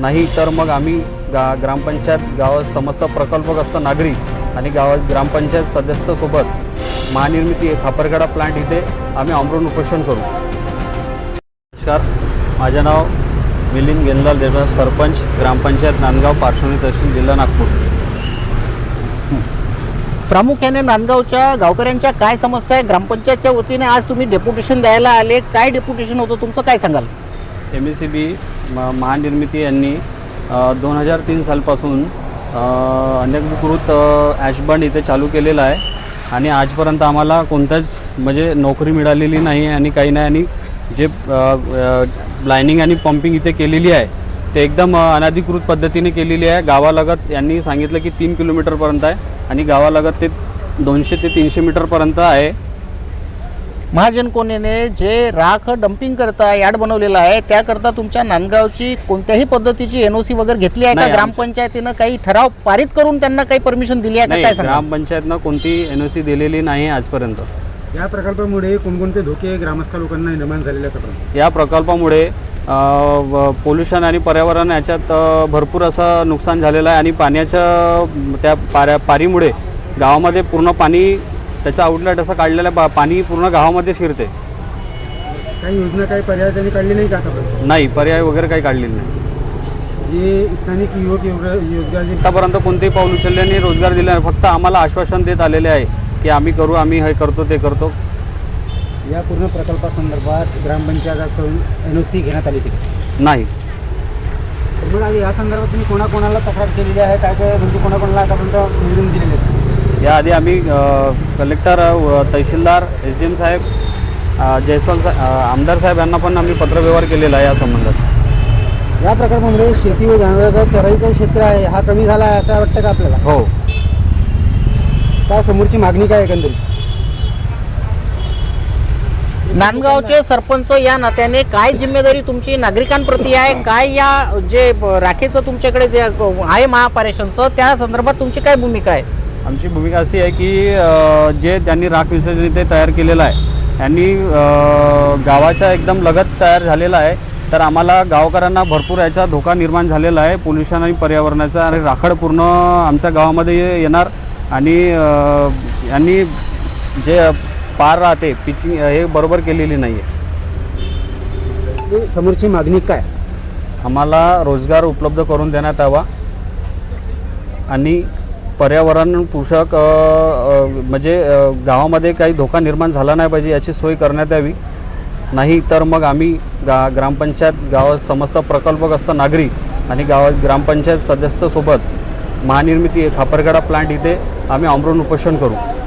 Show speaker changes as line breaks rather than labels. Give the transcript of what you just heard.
नाही तर मग आम्ही ग्रामपंचायत गावात समस्त प्रकल्पग्रस्त नागरिक आणि गावात ग्रामपंचायत सदस्यासोबत महानिर्मिती खापरगडा प्लांट इथे आम्ही आमरण उपोषण करू। नमस्कार, माझे नाव मिलिंद गेनलाल देशमुख, सरपंच ग्रामपंचायत नांदगाव, पार्श्वनी तहसील, जिल्हा नागपूर।
प्रामुख्याने नांदगावच्या गावकऱ्यांच्या काय समस्या आहे? ग्रामपंचायतच्या वतीने आज तुम्ही डेप्युटेशन द्यायला आले, काय डेप्युटेशन होतं तुमचं, काय सांगाल?
MSCB महानिर्मिती यांनी 2003 सालपासून अनधिकृत ॲशबंड इथे चालू केलेला आहे आणि आजपर्यंत आम्हाला कोणत्याच म्हणजे नोकरी मिळालेली नाही आणि काही नाही। आणि जे लाईनिंग आणि पंपिंग इथे केलेली आहे ते एकदम अनधिकृत पद्धतीने केलेली आहे। गावालगत यांनी सांगितलं की 3 किलोमीटरपर्यंत आहे आणि गावालगत ते 200 ते 300 मीटरपर्यंत आहे।
महाजन कोणीने जे राख डंपिंग करता यार्ड बनवलेला आहे त्याकरता तुमच्या नांदगावची कोणत्याही पद्धतीची NOC वगैरे घेतली आहे का? ग्रामपंचायतीनं काही ठराव पारित करून त्यांना काही परमिशन दिली आहे का? काय सांगा?
ग्रामपंचायतनं कोणती NOC दिलेली नाही आजपर्यंत।
या प्रकल्पामुळे कोणकोणते धोके ग्रामस्थ लोकांना निर्माण झालेले आहेत?
या प्रकल्पामुळे पोल्युशन आणि पर्यावरण याच्यात भरपूर असं नुकसान झालेलं आहे आणि पाण्याच्या त्या पारीमुळे गावामध्ये पूर्ण पाणी त्याचा आउटलेट असं काढलेलं पाणी पूर्ण गावामध्ये शिरते।
काही योजना, काही पर्याय त्यांनी काढले नाही का आतापर्यंत?
नाही, पर्याय वगैरे काही काढलेले नाही।
जे स्थानिक युवक रोजगार
आतापर्यंत कोणतेही पाऊल उचलले आणि रोजगार दिले नाही, फक्त आम्हाला आश्वासन देत आलेले आहे की आम्ही करू, आम्ही हे करतो, ते करतो।
या पूर्ण प्रकल्पासंदर्भात ग्रामपंचायताकडून NOC घेण्यात आली होती
नाही।
मग या संदर्भात तुम्ही कोणाकोणाला तक्रार केलेली आहे? काय काय म्हणजे कोणाकोणाला आतापर्यंत निवेदन दिलेले आहेत?
याआधी आम्ही कलेक्टर, तहसीलदार, SDM साहेब, जयस्वाल आमदार साहेब यांना पण आम्ही पत्रव्यवहार केलेला आहे या संबंधात।
या प्रकल्पामुळे शेती व जनावरांचा चराईचं क्षेत्र आहे हा कमी झाला आहे असं वाटतं का आपल्याला?
हो।
काय समोरची मागणी काय एकंदरीत?
नांदगावचे सरपंच या नात्याने काय जिम्मेदारी तुमची नागरिकांप्रती आहे? काय या जे राखेचं तुमच्याकडे जे आहे महापारेषणचं त्या संदर्भात तुमची काय भूमिका आहे?
आमची भूमिका अशी आहे की जे त्यांनी राख विसर्जन इथे तयार केलेलं आहे त्यांनी गावाच्या एकदम लगत तयार झालेला आहे, तर आम्हाला गावकऱ्यांना भरपूर याचा धोका निर्माण झालेला आहे पोल्युशन आणि पर्यावरणाचा, आणि राखड पूर्ण आमच्या गावामध्ये येणार आणि यांनी जे पार राहते पिचिंग हे बरोबर केलेली नाही आहे।
समोरची मागणी काय?
आम्हाला रोजगार उपलब्ध करून देण्यात यावा आणि पर्यावरण पोषक म्हणजे गावामध्ये काही धोका निर्माण झाला नाही पाहिजे याची सोय करण्यात यावी। नाही तर मग आम्ही ग्रामपंचायत गावात समस्त प्रकल्पग्रस्त नागरिक आणि गावात ग्रामपंचायत सदस्यासोबत महानिर्मिती खापरगडा प्लांट इथे आम्ही आमरण उपोषण करू।